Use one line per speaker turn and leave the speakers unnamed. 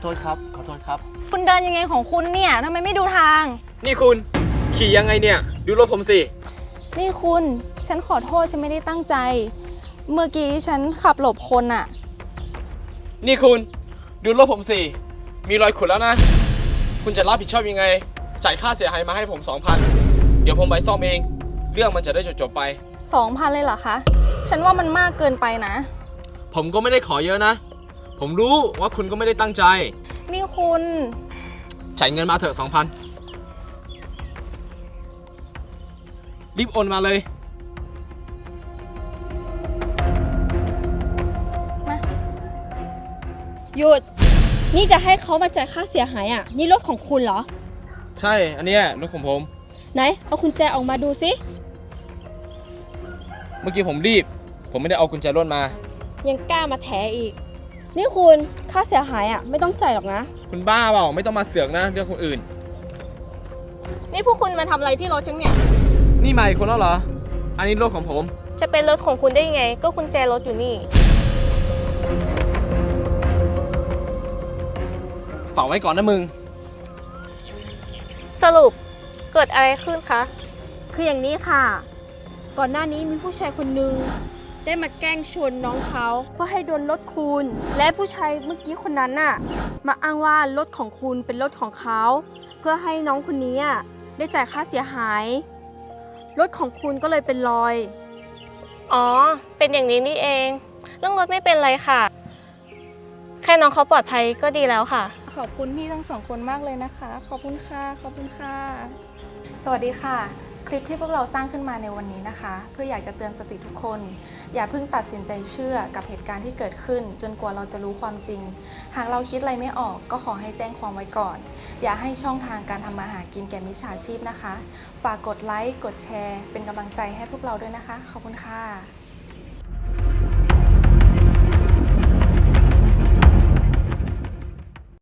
โทษครับขอโทษครับ
คุณเดินยังไงของคุณเนี่ยทำไมไม่ดูทาง
นี่คุณขี่ยังไงเนี่ยดูรถผมสิ
นี่คุณฉันขอโทษฉันไม่ได้ตั้งใจ เมื่อกี้ฉันขับหลบคนอะ
นี่คุณดูรถผมสิมีรอยขุดแล้วนะคุณจะรับผิดชอบยังไงจ่ายค่าเสียหายมาให้ผม 2,000 เดี๋ยวผมไปซ่อมเองเรื่องมันจะได้จบไป
2,000เลยเหรอคะฉันว่ามันมากเกินไปนะ
ผมก็ไม่ได้ขอเยอะนะผมรู้ว่าคุณก็ไม่ได้ตั้งใจ
นี่คุณ
จ่ายเงินมาเถอะ 2,000 รีบโอนมาเลย
มา
หยุดนี่จะให้เขามาจ่ายค่าเสียหายอ่ะนี่รถของคุณเหรอ
ใช่อันเนี้ยรถของผม
ไหนเอากุญแจออกมาดูสิ
เมื่อกี้ผมรีบผมไม่ได้เอากุญแจรถมา
ยังกล้ามาแถอีกนี่คุณค่าเสียหายอ่ะไม่ต้องจ่ายหรอกนะ
คุณบ้าเปล่าไม่ต้องมาเสือกนะเรื่องคนอื่น
นี่พวกคุณมาทำอะไรที่รถฉันเนี่ย
นี่มาอีกคนแล้วเหรออันนี้รถของผม
จะเป็นรถของคุณได้ยังไง ก็กุญแจรถอยู่นี่
ฝากไว้ก่อนนะมึง
สรุปเกิดอะไรขึ้นคะ
คืออย่างนี้ค่ะก่อนหน้านี้มีผู้ชายคนหนึ่งได้มาแกล้งชนน้องเขาเพื่อให้โดนรถคุณและผู้ชายเมื่อกี้คนนั้นน่ะมาอ้างว่ารถของคุณเป็นรถของเขาเพื่อให้น้องคนนี้ได้จ่ายค่าเสียหายรถของคุณก็เลยเป็นรอย
อ๋อ เป็นอย่างนี้นี่เอง เรื่องรถไม่เป็นไรค่ะ แค่น้องเขาปลอดภัยก็ดีแล้วค่ะ
ขอบคุณพี่ทั้งสองคนมากเลยนะคะขอบคุณค่ะขอบคุณค่ะสวัสดีค่ะคลิปที่พวกเราสร้างขึ้นมาในวันนี้นะคะเพื่ออยากจะเตือนสติทุกคนอย่าเพิ่งตัดสินใจเชื่อกับเหตุการณ์ที่เกิดขึ้นจนกว่าเราจะรู้ความจริงหากเราคิดอะไรไม่ออกก็ขอให้แจ้งความไว้ก่อนอย่าให้ช่องทางการทำมาหากินแก่มิจฉาชีพนะคะฝากกดไลค์กดแชร์เป็นกำลังใจให้พวกเราด้วยนะคะขอบคุณค่ะ